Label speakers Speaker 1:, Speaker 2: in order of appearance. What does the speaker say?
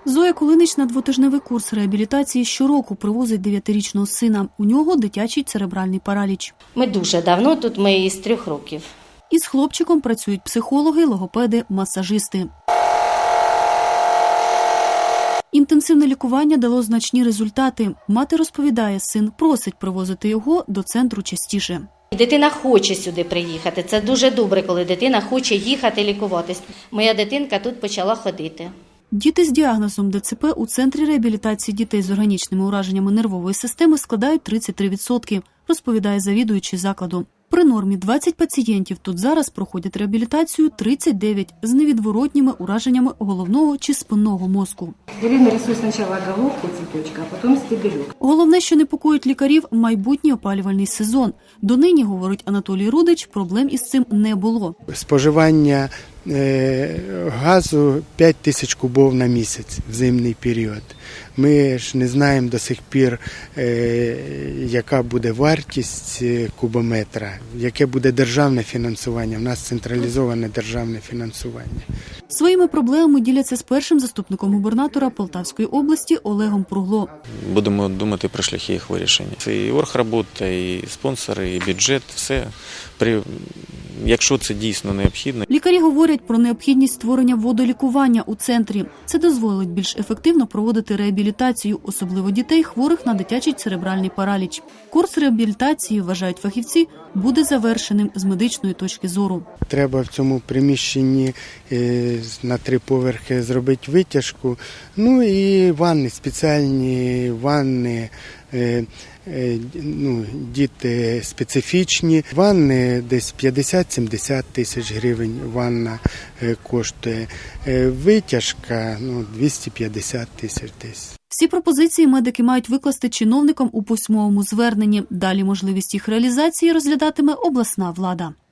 Speaker 1: Зоя Кулинич на двотижневий курс реабілітації щороку привозить 9-річного сина. У нього дитячий церебральний параліч.
Speaker 2: Ми дуже давно тут, ми із 3 років.
Speaker 1: Із хлопчиком працюють психологи, логопеди, масажисти. Інтенсивне лікування дало значні результати. Мати розповідає, син просить привозити його до центру частіше.
Speaker 2: Дитина хоче сюди приїхати. Це дуже добре, коли дитина хоче їхати лікуватись. Моя дитинка тут почала ходити.
Speaker 1: Діти з діагнозом ДЦП у Центрі реабілітації дітей з органічними ураженнями нервової системи складають 33%, розповідає завідуючий закладу. При нормі 20 пацієнтів тут зараз проходять реабілітацію 39 з невідворотніми ураженнями головного чи спинного мозку.
Speaker 3: Я нарисую спочатку головку цвіточка, а потім стебельок.
Speaker 1: Головне, що непокоїть лікарів – майбутній опалювальний сезон. Донині, говорить Анатолій Рудич, проблем із цим не було.
Speaker 4: Споживання газу 5 тисяч кубов на місяць в зимний період. Ми ж не знаємо до сих пір, яка буде вартість кубометра, яке буде державне фінансування. У нас централізоване державне фінансування.
Speaker 1: Своїми проблемами діляться з першим заступником губернатора Полтавської області Олегом Пругло.
Speaker 5: Будемо думати про шляхи їх вирішення. Це і оргробота, і спонсори, і бюджет, все. Якщо це дійсно необхідно.
Speaker 1: Лікарі говорять про необхідність створення водолікування у центрі. Це дозволить більш ефективно проводити реабілітацію, особливо дітей, хворих на дитячий церебральний параліч. Курс реабілітації, вважають фахівці, буде завершеним з медичної точки зору.
Speaker 4: Треба в цьому приміщенні на 3 поверхи зробити витяжку, ну і ванни, спеціальні ванни, діти специфічні. Ванни десь 50-70 тисяч гривень ванна коштує, витяжка 250 тисяч десь.
Speaker 1: Всі пропозиції медики мають викласти чиновникам у письмовому зверненні. Далі можливість їх реалізації розглядатиме обласна влада.